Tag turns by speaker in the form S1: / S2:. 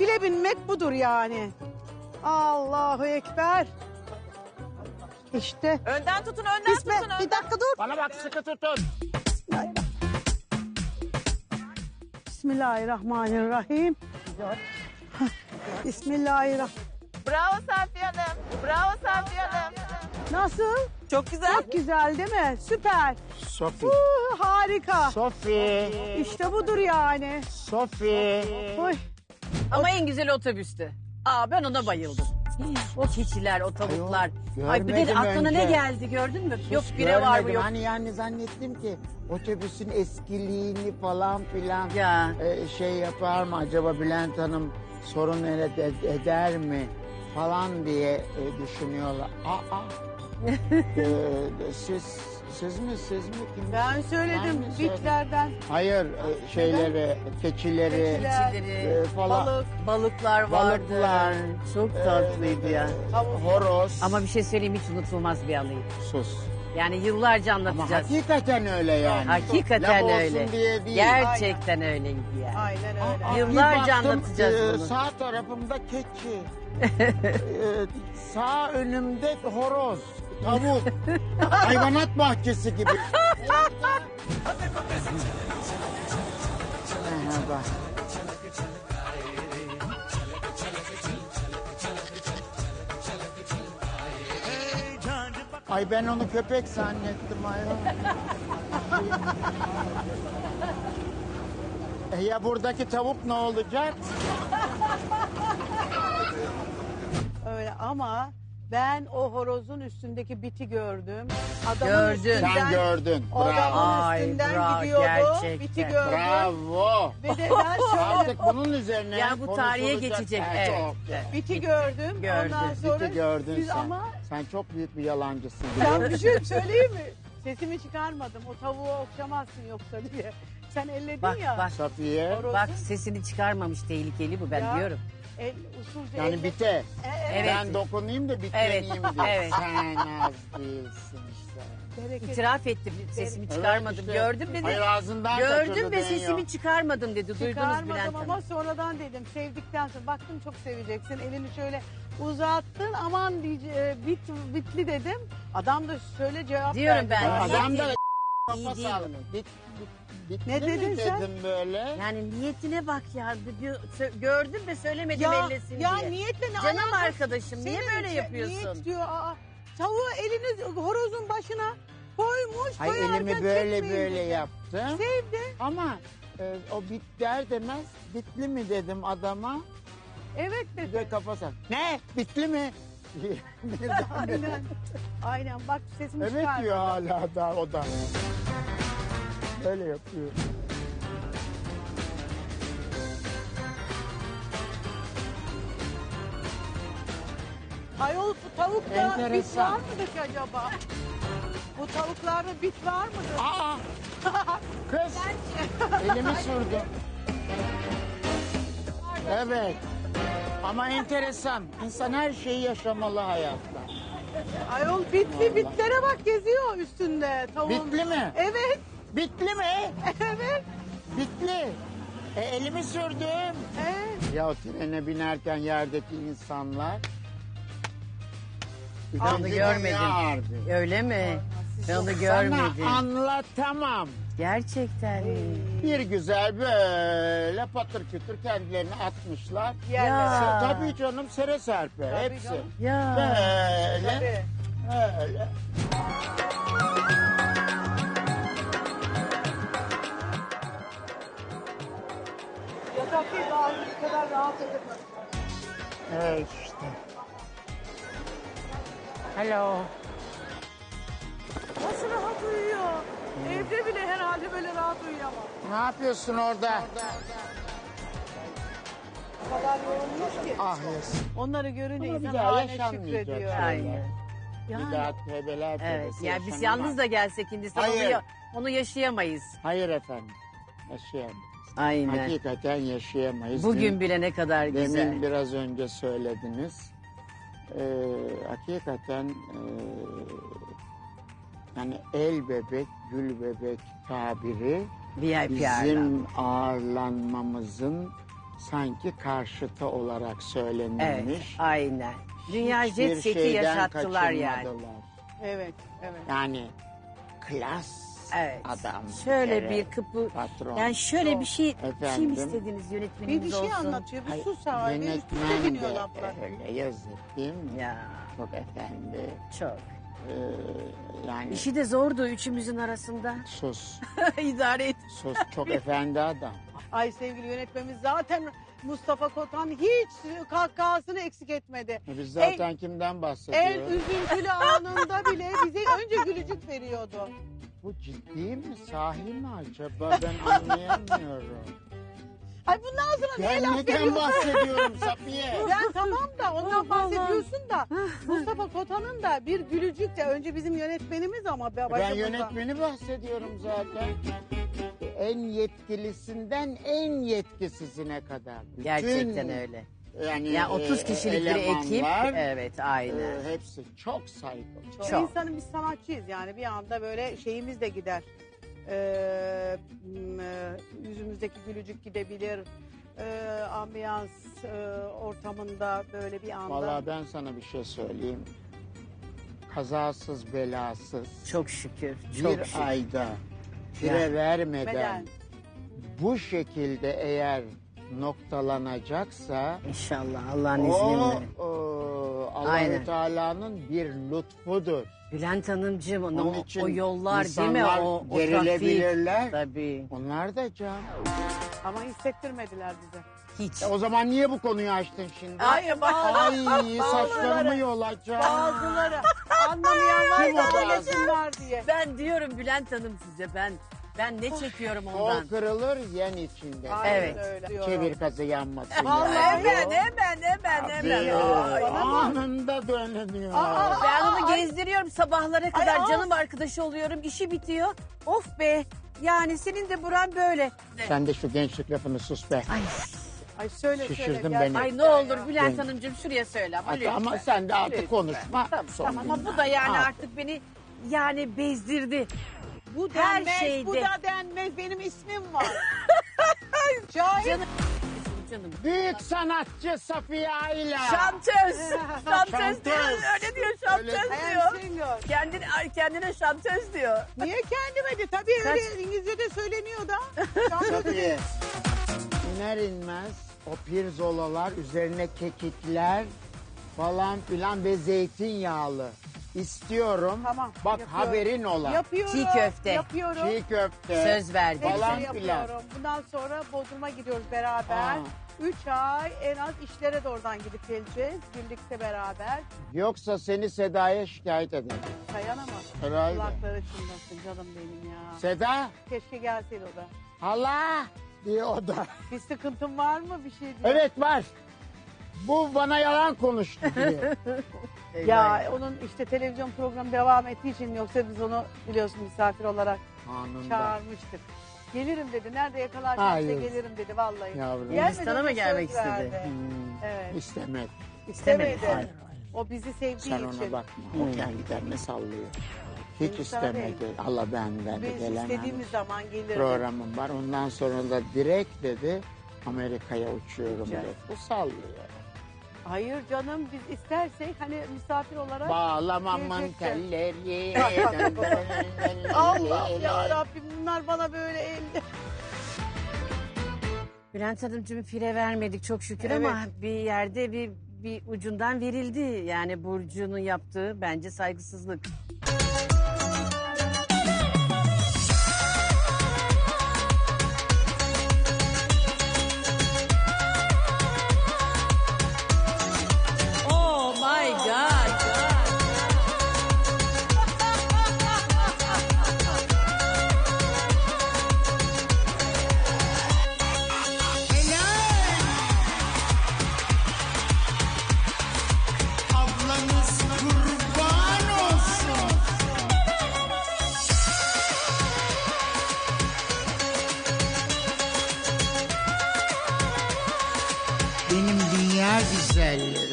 S1: file binmek budur yani. Allahu Ekber. İşte.
S2: Önden tutun, önden
S1: Bismillah.
S2: tutun.
S1: Bir dakika dur.
S3: Bana bak sıkı tutun.
S1: Bismillahirrahmanirrahim. Bismillahirrahmanirrahim.
S2: Bravo Safiye Hanım. Bravo Safiye Hanım.
S1: Nasıl?
S2: Çok güzel.
S1: Çok güzel değil mi? Süper.
S3: Sofi.
S1: Harika.
S3: Sofi.
S1: İşte budur yani.
S3: Sofi.
S1: Oy.
S4: Ama en güzeli otobüstü. Aa ben ona bayıldım. O keçiler, o tavuklar. Ay bir de
S3: görmedim
S4: aklına ne
S3: önce.
S4: geldi gördün mü? Yok bire var mı
S3: Görmedim.
S4: yok.
S3: Hani yani zannettim ki otobüsün eskiliğini falan filan
S4: Ya.
S3: şey yapar mı acaba Bülent Hanım sorun eder mi falan diye düşünüyorlar. Siz mi kim?
S1: Ben söyledim
S3: Ben mi söyledim?
S1: bitlerden.
S3: Hayır şeyleri, keçileri
S4: Keçileri,
S3: falan.
S4: balıklar vardı.
S3: Balıklar.
S4: Çok tatlıydı ya.
S3: Horoz.
S4: Ama bir şey söyleyeyim hiç unutulmaz bir anıydı.
S3: sus.
S4: Yani yıllarca
S3: Ama
S4: anlatacağız.
S3: hakikaten öyle yani.
S4: Hakikaten
S3: Laf olsun
S4: öyle.
S3: diye değil.
S4: Gerçekten öyleydi yani.
S1: Aynen öyle.
S3: Aa,
S4: Yıllarca
S3: bir baktım,
S4: anlatacağız bunu.
S3: Sağ tarafımda keçi. Sağ önümde horoz, tavuk. Hayvanat bahçesi gibi. Merhaba. Ay ben onu köpek zannettim ayol. Ya buradaki tavuk ne olacak?
S1: Öyle ama ben o horozun üstündeki biti gördüm. Adamın
S4: Gördün.
S1: üstünden,
S3: Sen gördün.
S1: o
S3: Bravo.
S1: adamın
S4: Ay,
S1: üstünden
S4: bravo,
S1: gidiyordu.
S4: gerçekten.
S1: Biti gördüm.
S3: Bravo.
S1: Ve de ben şöyle
S3: Artık bunun üzerine
S4: Ya bu tarihe
S3: konuşulacak.
S4: geçecek,
S3: Ha,
S4: evet.
S3: çok.
S1: biti gördüm.
S4: Gördün,
S1: Ondan sonra
S3: Biti gördün
S1: biz
S3: sen.
S1: ama
S3: Sen çok büyük bir yalancısın.
S1: ben bir şey söyleyeyim mi? Sesimi çıkarmadım. O tavuğu okşamazsın yoksa diye. Sen elledin
S4: Bak
S1: ya.
S4: bak.
S3: Safiye.
S1: Horozu.
S4: Bak sesini çıkarmamış tehlikeli bu ben
S1: Ya.
S4: diyorum.
S1: Usulca
S3: Yani
S1: elle-
S3: bite.
S4: Evet.
S3: Ben dokunayım da bitleneyim
S4: Evet,
S3: diye.
S4: evet.
S3: Sen az değilsin işte.
S1: Bereket.
S4: İtiraf ettim sesimi çıkarmadım.
S3: Evet işte.
S4: Gördüm dedi.
S3: Hayır ağzından kaçırdı
S4: Gördüm ve
S3: deniyor.
S4: sesimi çıkarmadım dedi. Duydunuz
S1: Çıkarmadım
S4: Bülent
S1: ama
S4: Hanım.
S1: sonradan dedim. Sevdikten sonra baktım çok seveceksin. Elini şöyle uzattın. Aman bitli dedim. Adam da şöyle cevap
S4: Diyorum
S1: verdi.
S4: ben.
S1: bana.
S3: Adam da
S4: İyi
S3: kafa
S4: değil
S3: sallıyor.
S4: bunun.
S3: Bitli
S1: Ne
S3: mi
S1: dedin sen?
S3: dedim böyle.
S4: Yani niyetine bak ya. Gördüm ve söylemedim
S1: Ya,
S4: ellesin
S1: ya
S4: diye.
S1: niyetle ne
S4: Canım
S1: alakası?
S4: arkadaşım niye
S1: Senin
S4: böyle
S1: için
S4: yapıyorsun?
S1: Niyet diyor. Tavuğu elini horozun başına koymuş.
S3: Hayır
S1: koyarken
S3: elimi böyle
S1: çekmeyin
S3: böyle
S1: dedi.
S3: yaptım.
S1: Sevdi.
S3: Ama o bit der demez bitli mi dedim adama.
S1: Evet
S3: Bir
S1: dedi.
S3: de kafa sallıyor. Ne? Bitli mi?
S1: Aynen. Aynen bak sesimi
S3: Evet
S1: çıkardı.
S3: diyor hala da o da. Böyle yapıyor.
S1: Ayol bu tavukta bit
S3: Enteresan.
S1: var mıdır ki acaba? Bu tavuklarda bit var mıdır?
S3: Aa! Kız! Elimi sürdüm. Evet. Ama enteresan. İnsan her şeyi yaşamalı hayatta.
S1: Ayol bitli bitlere bak geziyor üstünde tavuğun.
S3: Bitli mi?
S1: Evet.
S3: Bitli mi?
S1: Evet.
S3: Bitli. Elimi sürdüm.
S1: Evet.
S3: Ya o trene binerken yerdeki insanlar...
S4: Onu görmedim. Öyle mi? Ben onu görmedim.
S3: Sana anlatamam.
S4: Gerçekten mi?
S3: Bir güzel böyle patır kütür kendilerini atmışlar.
S1: Yerlere.
S4: Ya.
S3: Tabii canım sere serpe
S1: Tabii
S3: hepsi.
S1: canım.
S4: Ya.
S3: Böyle
S1: Tabii.
S3: öyle.
S1: Yatak değil daha bu kadar rahat edemez.
S3: Evet işte. Hello.
S1: Nasıl rahat uyuyor? Evde bile herhalde böyle rahat uyuyamam.
S3: Ne yapıyorsun orada?
S1: O kadar yorulmuş ki.
S3: Ah yes.
S1: Onları görünce
S3: Ama bir
S1: insan
S3: daha
S1: haline
S3: yaşanmayacak
S1: şükrediyor.
S3: şeyler.
S4: Aynen.
S3: Bir daha tövbeler
S4: Evet.
S3: tövbesi
S4: Yani biz
S3: yaşanamaz.
S4: yalnız da gelsek Hindistan
S3: Hayır.
S4: onu yaşayamayız.
S3: Hayır efendim. Yaşayamayız.
S4: Aynen.
S3: Hakikaten yaşayamayız.
S4: Bugün bile ne kadar güzel.
S3: Demin biraz önce söylediniz. Hakikaten yani el bebek, gül bebek tabiri
S4: VIP ağırlan.
S3: bizim ağırlanmamızın sanki karşıtı olarak
S4: Evet,
S3: söylenilmiş.
S4: aynen. Dünya
S3: Hiçbir
S4: jet seti
S3: şeyden
S4: yaşattılar yani.
S3: kaçınmadılar.
S1: Evet, evet.
S3: Yani klas
S4: Evet.
S3: adam.
S4: Şöyle
S3: kere,
S4: bir kapı.
S3: patron.
S4: Yani şöyle bir şey mi
S3: Efendim?
S4: istediniz yönetmenimiz
S1: Bir şey
S4: olsun?
S1: anlatıyor, bir
S3: Ay,
S1: sus abi. Üst üste
S3: yönetmen
S1: biniyor
S3: de
S1: laflar.
S3: öyle yazık değil mi?
S4: Ya
S3: Çok efendi.
S4: çok.
S3: Yani
S4: İşi de zordu üçümüzün arasında.
S3: sus.
S4: İdare et.
S3: Sus. Çok efendi adam.
S1: Ay sevgili yönetmenimiz zaten Mustafa Kotan hiç kahkahasını eksik etmedi.
S3: Biz zaten kimden
S1: En
S3: bahsediyoruz?
S1: üzüntülü anında bile bize önce gülücük veriyordu.
S3: Bu ciddi mi? Sahi mi acaba? Ben anlayamıyorum.
S1: Ay bundan sonra ne
S3: Ben
S1: laf
S3: neden
S1: ediyorsun?
S3: bahsediyorum Safiye?
S1: Ben tamam da ondan bahsediyorsun da Mustafa Kotan'ın da bir gülücük de önce bizim yönetmenimiz ama
S3: Ben
S1: başımızda.
S3: yönetmeni bahsediyorum zaten. En yetkilisinden en yetkisizine kadar. Bütün,
S4: Gerçekten öyle.
S3: Yani
S4: Ya 30 kişilik bir ekip.
S3: elemanlar,
S4: Evet aynen.
S3: hepsi çok saygılı.
S4: Çok.
S1: İnsanın biz sanatçıyız yani bir anda böyle şeyimiz de gider. Yüzümüzdeki gülücük gidebilir. Ambiyans ortamında böyle bir anda.
S3: Vallahi ben sana bir şey söyleyeyim. Kazasız belasız
S4: Çok şükür. Çok
S3: bir
S4: şükür.
S3: ayda fire
S4: Ya.
S3: vermeden
S1: Beden.
S3: bu şekilde eğer noktalanacaksa
S4: İnşallah Allah'ın
S3: o
S4: izniyle.
S3: Allahü
S4: Aynen.
S3: Teala'nın bir lütfudur.
S4: Bülent Hanımcığım
S3: Onun
S4: o,
S3: için
S4: o yollar değil mi?
S3: insanlar
S4: O trafik.
S3: gerilebilirler.
S4: Tabii.
S3: Onlar da can.
S1: Ama hissettirmediler bize.
S4: Hiç.
S3: O zaman niye bu konuyu açtın şimdi?
S1: Ay,
S3: Ay saçlarımı yolacağım.
S1: Bazıları anlamayan
S3: Kim o
S1: var da
S3: bazı?
S1: anlasınlar diye.
S4: Ben diyorum Bülent Hanım size ben ne çekiyorum
S3: Kol
S4: ondan.
S3: kırılır yen içinde.
S1: Aynen
S4: Evet.
S1: öyle diyorum.
S3: Çevir kazı yanmasın.
S1: Vallahi
S3: yani.
S4: Hemen.
S3: Tabii.
S4: Ay.
S3: Anında dönüyor.
S4: Ben onu gezdiriyorum sabahlara kadar.
S1: Ay,
S4: Canım arkadaşı oluyorum. İşi bitiyor. Of be. Yani senin de buran böyle.
S3: Sen de şu gençlik lafını sus be.
S4: Ay,
S1: Ay söyle
S3: Şişirdin
S1: söyle.
S3: beni.
S4: ay ne olur
S1: Ya.
S4: Bülent
S3: Ben-
S4: Hanımcığım şuraya söyle ama
S3: Hadi
S4: lütfen.
S3: ama sen de artık
S4: Lütfen.
S3: konuşma. Son
S4: Tamam ama
S3: günler.
S4: bu da yani
S3: Ha.
S4: artık beni yani bezdirdi.
S1: Bu
S4: Her
S1: denmez,
S4: şeyde.
S1: bu da denmez. Benim ismim var. Şahit.
S4: Canım.
S3: Büyük sanatçı Safiye Ayla.
S4: Şantöz. Şantöz
S3: Şantöz.
S4: diyor. Öyle diyor şantöz
S3: Öyle-
S1: I
S4: diyor.
S1: am single.
S4: Kendine şantöz diyor.
S1: Niye kendime de? Tabii öyle İngilizce'de söyleniyor da.
S3: Safiye. İner inmez o pirzolalar üzerine kekikler falan filan ve zeytinyağlı. İstiyorum.
S1: Tamam,
S3: Bak
S1: yapıyorum.
S3: haberin ola.
S1: Yapıyorum.
S4: Çiğ köfte.
S1: Yapıyorum.
S3: Çiğ köfte.
S4: Söz verdi.
S3: Falan
S1: Hepsini
S3: filan.
S1: yapıyorum. Bundan sonra Bodrum'a gidiyoruz beraber.
S3: Aa.
S1: 3 ay en az işlere de oradan gidip geleceğiz. Birlikte beraber.
S3: Yoksa seni Seda'ya şikayet ederim.
S1: Dayanamaz.
S3: Herhalde.
S1: Kulakları çınlasın canım benim ya.
S3: Seda,
S1: Keşke gelseydi o da.
S3: hala diye o da.
S1: Bir sıkıntın var mı bir şey diye.
S3: Evet var. Bu bana yalan konuştu diye.
S1: Ya onun işte televizyon programı devam ettiği için yoksa biz onu biliyorsun misafir olarak
S3: Anında.
S1: çağırmıştık. Gelirim dedi. Nerede yakalarsan
S3: Hayır.
S1: size gelirim dedi vallahi.
S3: Yavrum.
S1: Gelmedi,
S4: Hindistan'a
S1: ona
S4: mı
S1: söz
S4: gelmek istedi?
S1: verdi.
S3: Hmm,
S1: Evet.
S3: İstemedi.
S1: İstemedi.
S3: Hayır.
S1: O bizi sevdiği
S3: Sen ona
S1: için.
S3: bakma. O kendi kendine sallıyor. Hiç
S1: Hindistan'a
S3: istemedi. Allah ben de
S1: Biz
S3: gelemem.
S1: istediğimiz zaman gelirdi.
S3: Programım var. Ondan sonra da direkt dedi Amerika'ya uçuyorum
S1: Uçacak.
S3: dedi. Bu sallıyor.
S1: Hayır canım biz istersek hani misafir olarak.
S3: Bağlamamın
S1: Gelecekti.
S3: telleri.
S1: Allah ya Rabbim bunlar bana böyle
S4: Bülent Hanımcığım fire vermedik çok şükür
S1: Evet.
S4: ama bir yerde bir ucundan verildi. Yani Burcu'nun yaptığı bence saygısızlık. Oh my God.
S3: Ablanız kurban olsun. Benim dünya güzelleri.